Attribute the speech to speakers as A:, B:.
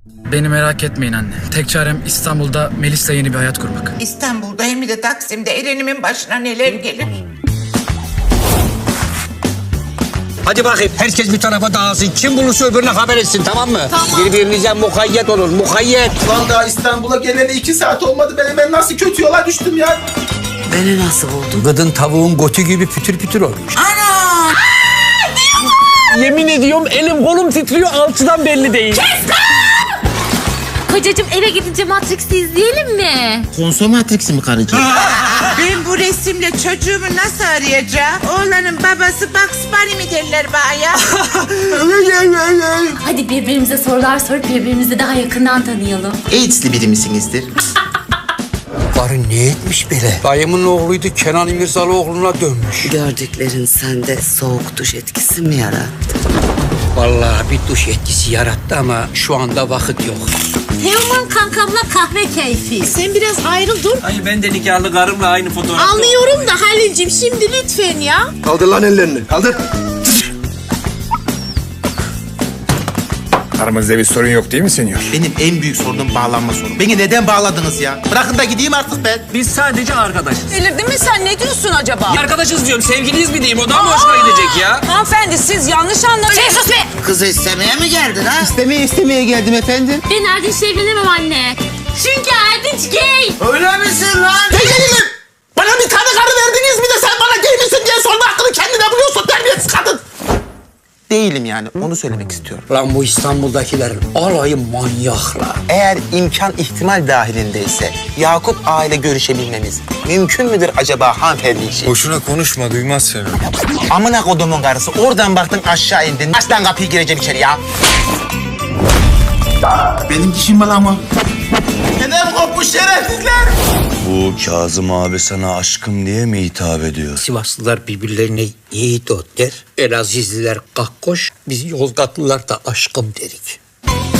A: Beni merak etmeyin anne. Tek çarem İstanbul'da Melis'le yeni bir hayat kurmak.
B: İstanbul'da hem de Taksim'de Eren'imin başına neler gelir.
C: Hadi bakayım herkes bir tarafa dağılsın. Kim bulursa öbürüne haber etsin, tamam mı? Tamam. Birbirinize mukayyet olun, mukayyet.
D: Lan daha İstanbul'a geleli 2 saat olmadı. Ben nasıl kötü yola düştüm ya.
E: Beni nasıl buldun?
C: Gıdın tavuğun götü gibi pütür pütür olmuş.
B: Ana!
F: Yemin ediyorum elim kolum titriyor, altıdan belli değil.
G: Kocacığım eve gidince Matrix'i izleyelim mi?
H: Konso Matrix'i mi karıcığım?
B: Ben bu resimle çocuğumu nasıl arayacağım? Oğlanın babası Bugs Bunny mi derler bana ya?
G: Hadi birbirimize sorular sorup birbirimizi daha yakından tanıyalım.
H: AIDS'li biri misinizdir?
C: Karı ne etmiş böyle? Dayımın oğluydu, Kenan İmirzalıoğlu'na dönmüş.
E: Gördüklerin sende soğuk duş etkisi mi yarattı?
C: Vallahi bir duş etkisi yarattı ama şu anda vakit yok.
G: Teoman kankamla kahve keyfi.
I: Sen biraz ayrıl dur.
F: Ay ben de nikahlı karımla aynı fotoğraf.
I: Anlıyorum da Halil'cim şimdi lütfen ya.
D: Kaldır lan ellerini. Kaldır.
J: Aramızda bir sorun yok değil mi senyor?
H: Benim en büyük sorunum bağlanma sorunu. Beni neden bağladınız ya? Bırakın da gideyim artık ben.
F: Biz sadece arkadaşız.
I: Delirdin mi sen, ne diyorsun acaba?
F: Arkadaşız diyorum, sevgiliyiz mi diyeyim, o daha mı hoşuna gidecek ya?
I: Hanımefendi siz yanlış anladınız.
G: Sen sus be!
H: Kızı istemeye mi geldin ha? İstemeye geldim efendim.
G: Ben Erdinç'le evlenemem anne. Çünkü Erdinç gay.
H: Öyle misin lan? Değilim. Bana bir tane karı verdiniz, bir de sen bana gay misin diye sorma hakkını kendine buluyorsun terbiyesiz kadın. Değilim yani, onu söylemek istiyorum.
C: Lan bu İstanbul'dakilerin alayı manyaklar.
H: Eğer imkan ihtimal dahilindeyse Yakup aile görüşebilmemiz mümkün müdür acaba hanımefendi için?
J: Boşuna konuşma, duymaz seni.
H: Amına kodumun karısı, oradan baktın aşağı indin. Aç lan kapıyı, gireceğim içeri ya. Benim dişim var ama. Neden kopmuş şerefsizler?
K: Bu Kazım abi sana aşkım diye mi hitap ediyor?
C: Sivaslılar birbirlerine yiğit ot der. Elazizliler kakkoş, biz Yozgatlılar da aşkım derik.